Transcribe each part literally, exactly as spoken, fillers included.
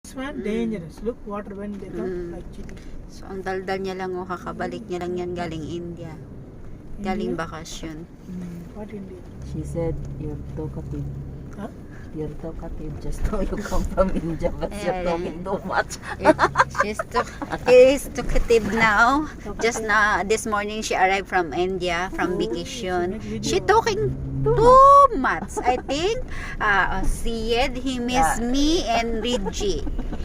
It's man dangerous. Look, water when they come Mm. like chili. So, ang daldal niya lang, oh, kakabalik niya lang yan galing India. Galing bakasyon. Mm. What India? She said, you're talkative. Huh? You're talkative just now you come from India, but you're Ayan. talking too much. She's to, is talkative now. Just na this morning she arrived from India from vacation. She talking too much. I think uh, Syed, he miss me and Reggie.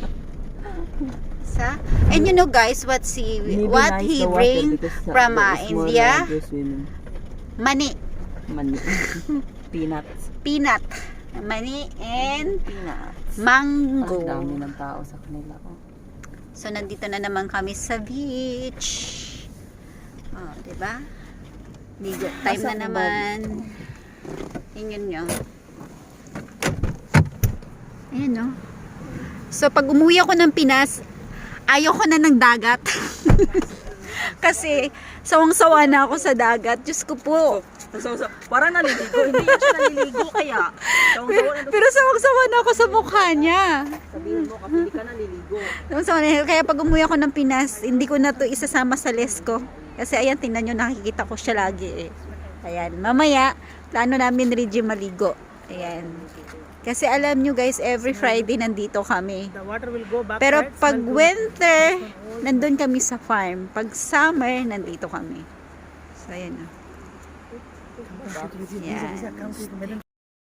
Sa and you know guys what he Maybe what nice he the water bring because, uh, from there uh, is more India? larger swimming. Money, Money. Peanuts. peanut, money and Peanuts. mango. Ang dami ng tao sa kanila. Oh. So, nandito na naman kami sa beach. Oh, diba? Ligo time na Asan ang naman. Tingnan nyo. Ayan, no? So, pag umuwi ako ng Pinas, ayoko na ng dagat. Kasi, sawang-sawa na ako sa dagat. Diyos ko po. So, so, parang naliligo. Hindi yan siya naliligo kaya. Sawang-sawa na Pero sawang-sawa na ako sa mukha niya. sabihin mo kasi hindi ka naliligo. Sawang-sawa na. Kaya pag umuwi ako ng Pinas, hindi ko na to isasama sa list ko. Kasi ayan, tingnan nyo, nakikita ko siya lagi eh. Ayan, mamaya, plano namin Reggie maligo. Ayan. Kasi alam nyo guys, every Friday nandito kami. The water will go back. Pero right? pag Smell good. winter, nandun kami sa farm. Pag summer, nandito kami. So, ayan na. Yan. Come to the middle.